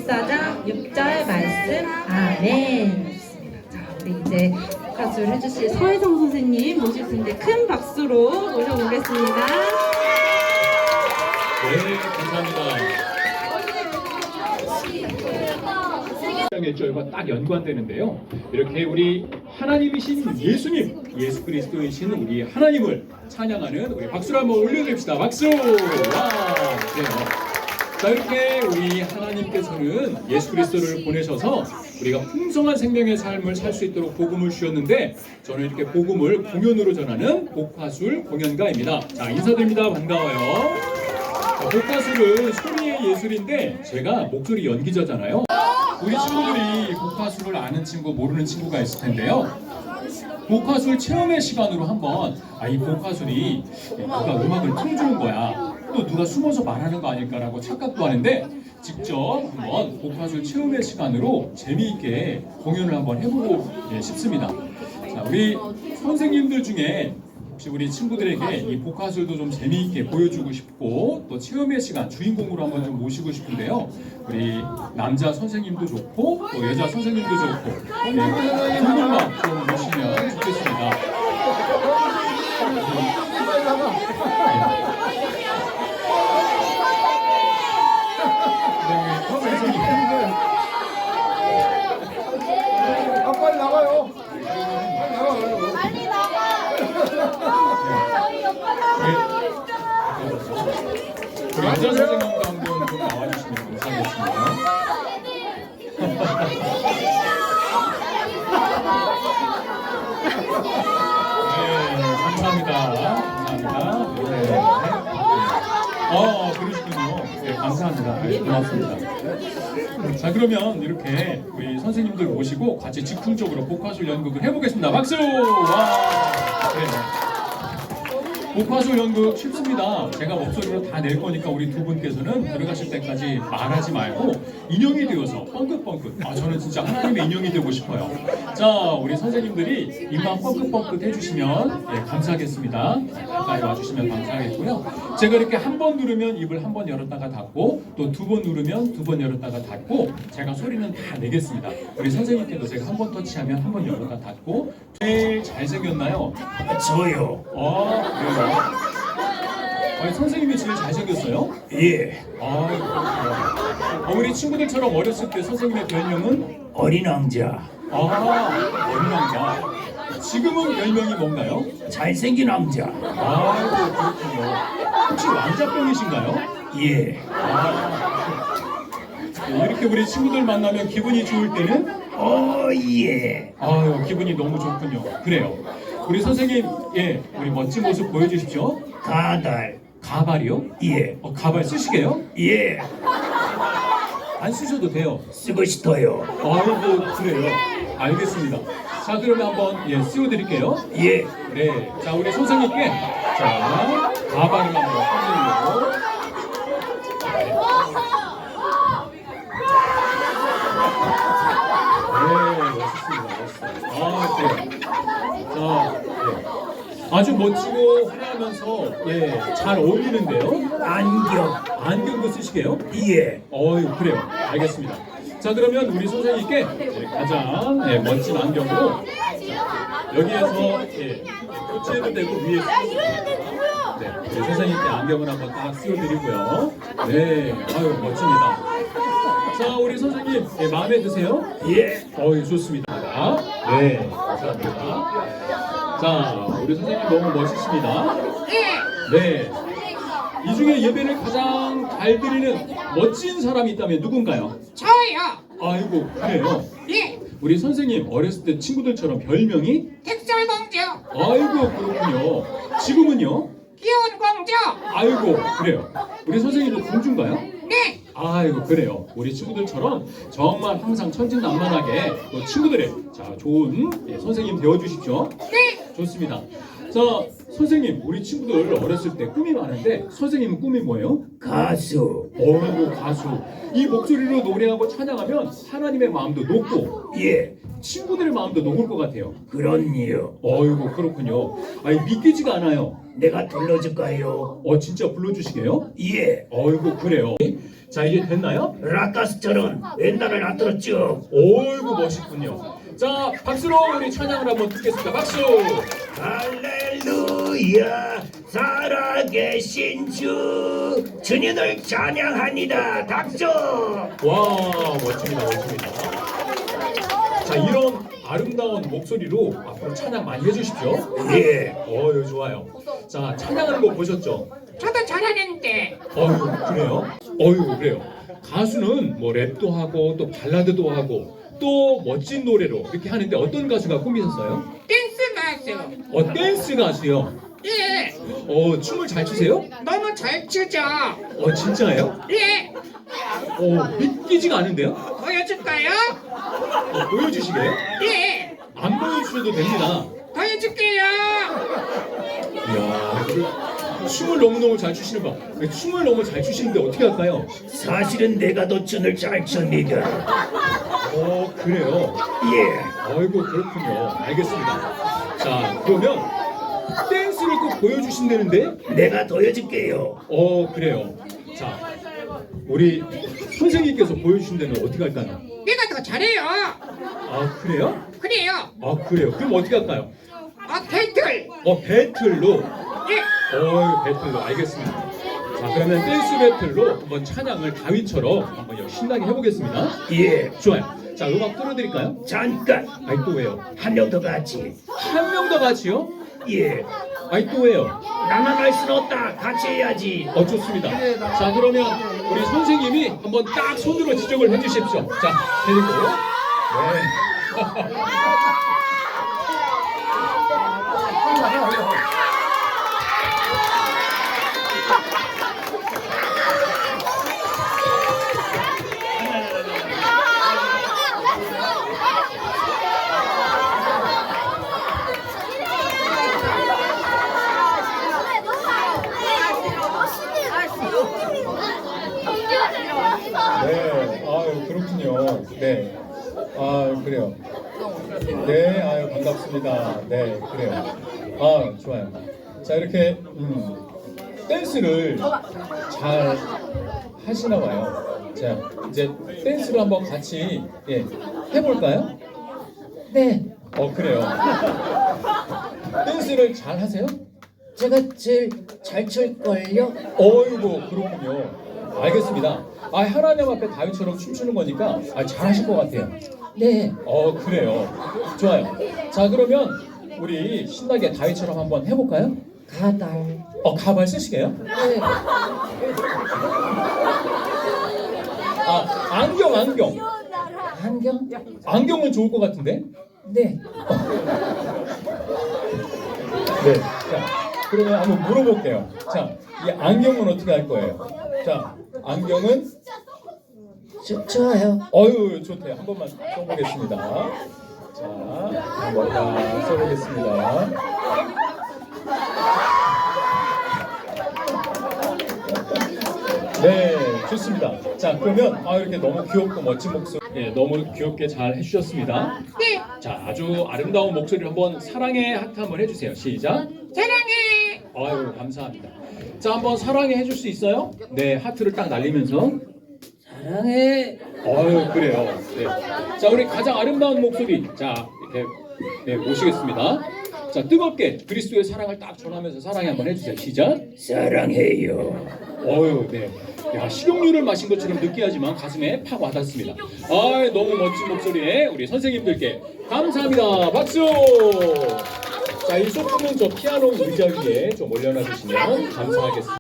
14장 6절 말씀 아멘. 자, 우리 이제 가수를 해주실 서혜성 선생님 모실 텐데 큰 박수로 모셔보겠습니다. 네, 감사합니다. 1절과 딱 연관되는데요. 이렇게 우리 하나님이신 예수님, 예수 그리스도이신 우리 하나님을 찬양하는 우리 박수를 한번 올려드립시다. 박수! 와, 그래요. 자, 이렇게 우리 하나님께서는 예수 그리스도를 보내셔서 우리가 풍성한 생명의 삶을 살 수 있도록 복음을 주셨는데, 저는 이렇게 복음을 공연으로 전하는 복화술 공연가입니다. 자, 인사드립니다. 반가워요. 자, 복화술은 소리의 예술인데 제가 목소리 연기자잖아요. 우리 친구들이 복화술을 아는 친구, 모르는 친구가 있을 텐데요. 복화술 체험의 시간으로 한번 이 복화술이 누가 음악을 틀어주는 거야, 또 누가 숨어서 말하는 거 아닐까라고 착각도 하는데, 직접 한번 복화술 체험의 시간으로 재미있게 공연을 한번 해보고 싶습니다. 자, 우리 선생님들 중에 혹시 우리 친구들에게 이 복화술도 좀 재미있게 보여주고 싶고 또 체험의 시간 주인공으로 한번 좀 모시고 싶은데요. 우리 남자 선생님도 좋고 또 여자 선생님도 좋고 두 분만 좀 모시면 좋겠습니다. 빨리 나가요. 빨리 나가. 저희 우리 여자 선생님도 한번 좀 나와주시면 감사하겠습니다. 네, 감사합니다. 감사합니다. 네. 그러시군요. 네, 감사합니다. 네, 고맙습니다. 자, 그러면 이렇게 우리 선생님들 모시고 같이 즉흥적으로 복화술 연극을 해보겠습니다. 박수! 와! 네. 복화술 연극 쉽습니다. 제가 목소리로 다 낼 거니까 우리 두 분께서는 들어가실 때까지 말하지 말고 인형이 되어서 뻥긋뻥긋. 저는 진짜 하나님의 인형이 되고 싶어요. 자, 우리 선생님들이 입만 뻥긋뻥긋 해주시면 감사하겠습니다. 가까이 와주시면 감사하겠고요. 제가 이렇게 한 번 누르면 입을 한 번 열었다가 닫고, 또 두 번 누르면 두 번 열었다가 닫고, 제가 소리는 다 내겠습니다. 우리 선생님께도 제가 한 번 터치하면 한 번 열었다 닫고. 제일 잘생겼나요? 저요. 그래요? 아니, 선생님이 제일 잘생겼어요? 예. 우리 친구들처럼 어렸을 때 선생님의 별명은? 어린 왕자. 어린 왕자. 지금은 별명이 뭔가요? 잘생긴 왕자. 아이고, 그렇군요. 혹시 왕자병이신가요? 예. 이렇게 우리 친구들 만나면 기분이 좋을 때는? 예. 아유, 기분이 너무 좋군요. 그래요. 우리 선생님, 우리 멋진 모습 보여주십시오. 가달. 가발이요? 예. 가발 쓰시게요? 예. 안 쓰셔도 돼요. 쓰고 싶어요. 아이고, 그래요. 알겠습니다. 자, 그러면 한번 씌워드릴게요. 예. 네. 자, 우리 선생님께 가발을 한번 써드리고. 멋있습니다. 아주 멋지고 화려하면서 잘 어울리는데요. 안경도 쓰시게요? 예. 그래요. 알겠습니다. 자, 그러면 우리 선생님께 가장 멋진 안경으로 여기에서 교체해도 되고 위에 우리 선생님께 안경을 한번 딱 씌워드리고요. 네, 멋집니다. 자, 우리 선생님 마음에 드세요? 예. 좋습니다. 네, 감사합니다. 자, 우리 선생님 너무 멋지십니다. 네. 이 중에 예배를 가장 잘 드리는 멋진 사람이 있다면 누군가요? 저요. 아이고, 그래요? 예. 우리 선생님 어렸을 때 친구들처럼 별명이? 백설공주. 아이고, 그렇군요. 지금은요? 귀여운 공주. 아이고, 그래요. 우리 선생님도 공주인가요? 네. 아이고, 그래요. 우리 친구들처럼 정말 항상 천진난만하게 또 친구들의 좋은 선생님 되어주십시오. 네. 좋습니다. 자, 선생님, 우리 친구들 어렸을 때 꿈이 많은데 선생님은 꿈이 뭐예요? 가수. 가수. 이 목소리로 노래하고 찬양하면 하나님의 마음도 녹고 예. 친구들의 마음도 녹을 것 같아요. 그럼요. 어이구, 그렇군요. 믿기지가 않아요. 내가 불러줄까요? 진짜 불러주시게요? 예. 어이구, 그래요. 자, 이제 됐나요? 라카스처럼 왼다리를 앞으로 쭉. 어이구 멋있군요. 자, 박수로 우리 찬양을 한번 듣겠습니다. 박수. 할렐루야 살아계신 주 주님을 찬양합니다. 박수. 와, 멋집니다, 멋집니다. 자, 이런 아름다운 목소리로 앞으로 찬양 많이 해주십시오. 예. 어유 좋아요. 자, 찬양하는 거 보셨죠? 저도 잘하는데. 어유 그래요? 어유 그래요. 가수는 뭐 랩도 하고 또 발라드도 하고 또 멋진 노래로 이렇게 하는데 어떤 가수가 꿈이셨어요? 댄스 가수. 댄스 가수요. 예. 춤을 잘 추세요? 너무 잘 추죠. 진짜예요? 예. 믿기지가 않은데요? 보여줄까요? 보여주시게요? 예. 안 보여주셔도 됩니다. 보여줄게요. 이야, 춤을 너무너무 잘 추시는 거. 춤을 너무 잘 추시는데 어떻게 할까요? 사실은 내가 더 춤을 잘 춥니다. 그래요? 예. 아이고 그렇군요. 알겠습니다. 자, 그러면 댄스를 꼭 보여주신다는데? 내가 보여줄게요. 그래요. 자, 우리 선생님께서 보여주신다면 어떻게 할까요? 내가 더 잘해요. 그래요? 그래요. 그래요. 그럼 어떻게 할까요? 배틀. 배틀로. 예. 배틀로. 알겠습니다. 자, 그러면 댄스 배틀로 한번 찬양을 다윗처럼 한번 신나게 해보겠습니다. 예. 좋아요. 자, 음악 틀어드릴까요? 잠깐 또 왜요? 한 명 더 같이. 한 명 더 같이요? 예. 또 왜요? 나만 할 수는 없다. 같이 해야지. 좋습니다. 자, 그러면 우리 선생님이 한번 딱 손으로 지적을 해주십시오. 자, 데리고. 네. 네, 그렇군요. 네, 그래요. 네, 반갑습니다. 네, 그래요. 좋아요. 자, 이렇게 댄스를 잘 하시나 봐요. 자, 이제 댄스를 한번 같이 해볼까요? 네, 그래요. 댄스를 잘 하세요? 제가 제일 잘 출걸요? 어이구, 그렇군요. 알겠습니다. 하나님 앞에 다윗처럼 춤추는 거니까 잘하실 것 같아요. 네, 그래요. 좋아요. 자, 그러면 우리 신나게 다윗처럼 한번 해볼까요? 가달. 가발 쓰시게요? 네, 안경. 안경? 안경은 좋을 것 같은데? 네, 네. 자, 그러면 한번 물어볼게요. 자, 이 안경은 어떻게 할 거예요? 자, 안경은 좋아요. 좋대요. 한 번만 써보겠습니다. 자, 한번 다 써보겠습니다. 네, 좋습니다. 자, 그러면 이렇게 너무 귀엽고 멋진 목소리, 너무 귀엽게 잘 해주셨습니다. 네. 자, 아주 아름다운 목소리를 한번 사랑의 하트 한번 해주세요. 시작. 사랑해. 감사합니다. 자, 한번 사랑해 해줄 수 있어요? 네, 하트를 딱 날리면서. 사랑해. 그래요. 네. 자, 우리 가장 아름다운 목소리. 자, 이렇게 모시겠습니다. 자, 뜨겁게 그리스도의 사랑을 딱 전하면서 사랑해 한번 해주세요. 시작. 사랑해요. 네. 야, 식용유를 마신 것처럼 느끼하지만 가슴에 팍 와닿습니다. 너무 멋진 목소리에 우리 선생님들께 감사합니다. 박수! 자, 이 소품은 저 피아노 의자 위에 좀 올려놔 주시면 감사하겠습니다.